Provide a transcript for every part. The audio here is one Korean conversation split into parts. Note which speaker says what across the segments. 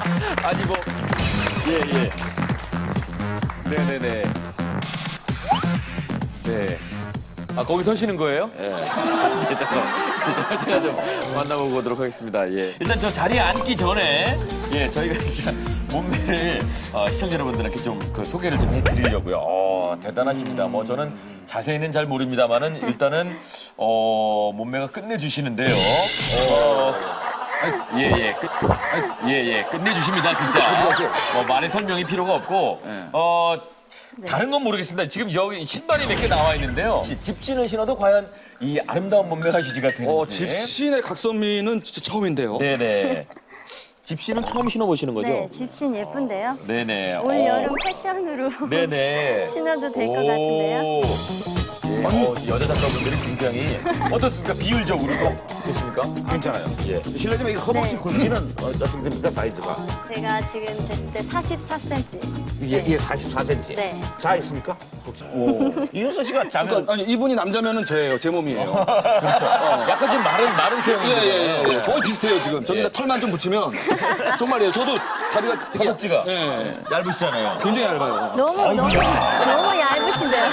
Speaker 1: 아니 뭐 예. 네네네. 네. 아 거기 서시는 거예요? 예. 네, 잠깐 제가 좀 만나보고 오도록 하겠습니다. 예. 일단 저 자리에 앉기 전에 예 저희가 일단 몸매를 시청자 여러분들한테 좀 그 소개를 좀 해드리려고요. 대단하십니다. 뭐 저는 자세히는 잘 모릅니다만은 일단은 몸매가 끝내주시는데요. 예, 끝내주십니다, 진짜. 말의 설명이 필요가 없고, 다른 건 모르겠습니다. 지금 여기 신발이 몇 개 나와 있는데요. 집신을 신어도 과연 이 아름다운 몸매가 유지가 되는지.
Speaker 2: 집신의 각선미는 진짜 처음인데요.
Speaker 1: 네네. 집신은 처음 신어보시는 거죠?
Speaker 3: 네, 집신 예쁜데요.
Speaker 1: 네네.
Speaker 3: 올 여름 패션으로
Speaker 1: 네네.
Speaker 3: 신어도 될 것 같은데요.
Speaker 1: 예, 여자 작가분들이 굉장히 어떻습니까? 비율적으로 어떻습니까?
Speaker 4: 괜찮아요.
Speaker 1: 예.
Speaker 4: 실례지만 이거 허벅지
Speaker 3: 네.
Speaker 4: 굵기는 어떻게 됩니까, 사이즈가?
Speaker 3: 제가 지금 쟀을 때 44cm.
Speaker 4: 이게 44cm.
Speaker 3: 네.
Speaker 4: 자 있습니까? 혹시? 이윤서 씨가 자면
Speaker 2: 그러니까 아니 이분이 남자면은 저예요, 제 몸이에요.
Speaker 1: 약간 좀 마른 체형인데.
Speaker 2: 예. 거의 비슷해요 지금. 저기다 털만 좀 붙이면 정말이에요. 저도 다리가 되게
Speaker 1: 허벅지가
Speaker 2: 예,
Speaker 1: 얇으시잖아요.
Speaker 2: 굉장히 얇아요.
Speaker 3: 너무 얇으신데요.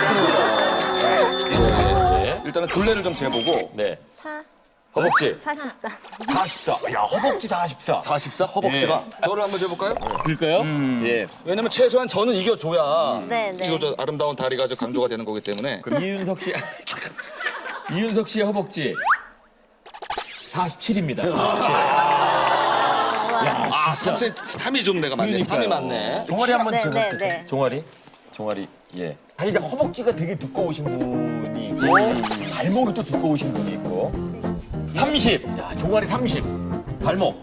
Speaker 2: 일단은 둘레를 좀 재보고
Speaker 1: 네.
Speaker 3: 4,
Speaker 1: 허벅지
Speaker 3: 44.
Speaker 1: 44. 야, 허벅지 44.
Speaker 2: 44 허벅지가 저를 한번 재볼까요?
Speaker 1: 그럴까요? 예.
Speaker 2: 왜냐면 최소한 저는 이겨줘야
Speaker 3: 네.
Speaker 2: 이거 저 아름다운 다리가 저 강조가 되는 거기 때문에.
Speaker 1: 이윤석 씨. 이윤석 씨의 허벅지 47입니다. 47. 야,
Speaker 2: 아,
Speaker 1: 진짜.
Speaker 2: 3이 좀 내가 맞네. 3이 맞네.
Speaker 1: 종아리 한번
Speaker 3: 네,
Speaker 1: 제가
Speaker 3: 네, 네.
Speaker 1: 종아리. 예. 사실 이제 허벅지가 되게 두꺼우신 분이 있고 발목이 또 두꺼우신 분이 있고 30. 야, 종아리 30. 발목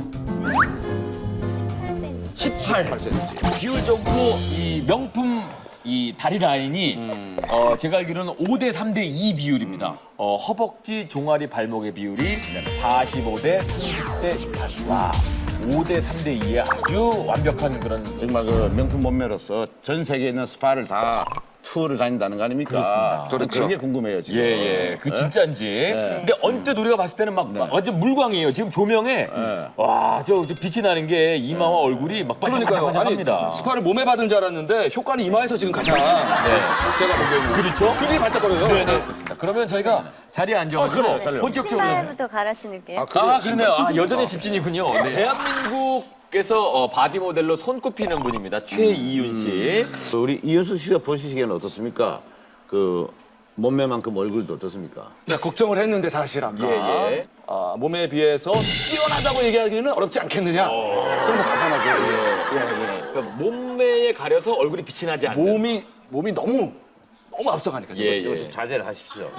Speaker 1: 18.
Speaker 4: 8cm.
Speaker 1: 비율적으로 이 명품 이 다리 라인이 제가 알기로는 5대 3대 2 비율입니다. 허벅지, 종아리, 발목의 비율이 45대 30대 18. 와, 5대 3대 2의 아주 완벽한 그런
Speaker 4: 정말 그 명품 몸매로서 전 세계에 있는 스파를 다 투어를 다닌다는 거 아닙니까?
Speaker 1: 그렇습니다.
Speaker 2: 그렇죠.
Speaker 4: 그게 궁금해요, 지금.
Speaker 1: 예. 그 진짜인지. 근데 언뜻 우리가 봤을 때는 막 완전 물광이에요. 지금 조명에 와, 저 빛이 나는 게 이마와 얼굴이 막
Speaker 2: 그러니까요.
Speaker 1: 반짝반짝합니다.
Speaker 2: 아니 스파를 몸에 받은 줄 알았는데 효과는 이마에서 지금 가장 제가 보기에는
Speaker 1: 그렇죠?
Speaker 2: 굉장히 반짝거려요.
Speaker 1: 네, 좋습니다. 그러면 저희가 자리에 앉아가지고
Speaker 4: 그래요. 잘해요.
Speaker 1: 본격적으로
Speaker 3: 신발부터 갈아 신을게요.
Speaker 1: 그러네요. 여전히 집진이군요. 네. 대한민국에서 바디 모델로 손꼽히는 분입니다. 최이윤 씨.
Speaker 4: 우리 이윤서 씨가 보시기에는 어떻습니까? 그 몸매만큼 얼굴도 어떻습니까?
Speaker 2: 제가 걱정을 했는데 사실 아까
Speaker 1: 예.
Speaker 2: 몸에 비해서 뛰어나다고 얘기하기는 어렵지 않겠느냐. 좀 더 과감하게.
Speaker 1: 그러니까 몸매에 가려서 얼굴이 빛이 나지 않는.
Speaker 2: 몸이 너무 앞서가니까. 지금.
Speaker 1: 예.
Speaker 4: 자제를 하십시오.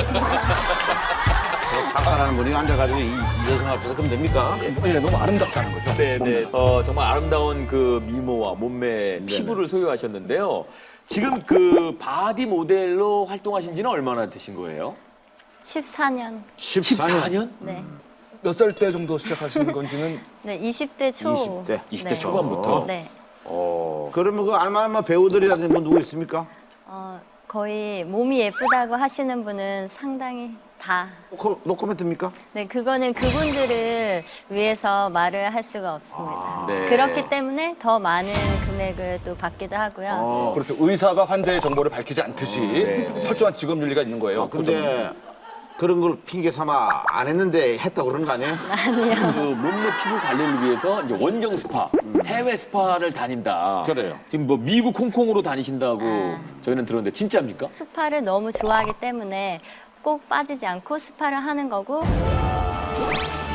Speaker 4: 박사라는 분이 앉아가지고 이 여성 앞에서 그럼 됩니까?
Speaker 2: 예, 너무 아름답다는 거죠.
Speaker 1: 네. 정말 아름다운 그 미모와 몸매, 피부를 소유하셨는데요. 지금 그 바디 모델로 활동하신 지는 얼마나 되신 거예요?
Speaker 3: 14년.
Speaker 1: 14년?
Speaker 3: 네.
Speaker 2: 몇 살 때 정도 시작하신 건지는
Speaker 3: 네, 20대 초.
Speaker 4: 20대.
Speaker 1: 20대
Speaker 3: 네.
Speaker 1: 초반부터?
Speaker 3: 네.
Speaker 4: 그러면 그 알만한 배우들이라든지 뭐 누구 있습니까?
Speaker 3: 거의 몸이 예쁘다고 하시는 분은 상당히 다.
Speaker 4: 노코멘트입니까?
Speaker 3: 네, 그거는 그분들을 위해서 말을 할 수가 없습니다.
Speaker 1: 네.
Speaker 3: 그렇기 때문에 더 많은 금액을 또 받기도 하고요.
Speaker 2: 그렇게 의사가 환자의 정보를 밝히지 않듯이 철저한 직업 윤리가 있는 거예요.
Speaker 4: 근데 그런 걸 핑계 삼아 안 했는데 했다고 그러는 거 아니에요?
Speaker 1: 그 몸매 피부 관리를 위해서 이제 원정 스파, 해외 스파를 다닌다.
Speaker 4: 그래요.
Speaker 1: 지금 뭐 미국 홍콩으로 다니신다고 저희는 들었는데 진짜입니까?
Speaker 3: 스파를 너무 좋아하기 때문에 꼭 빠지지 않고 스파를 하는 거고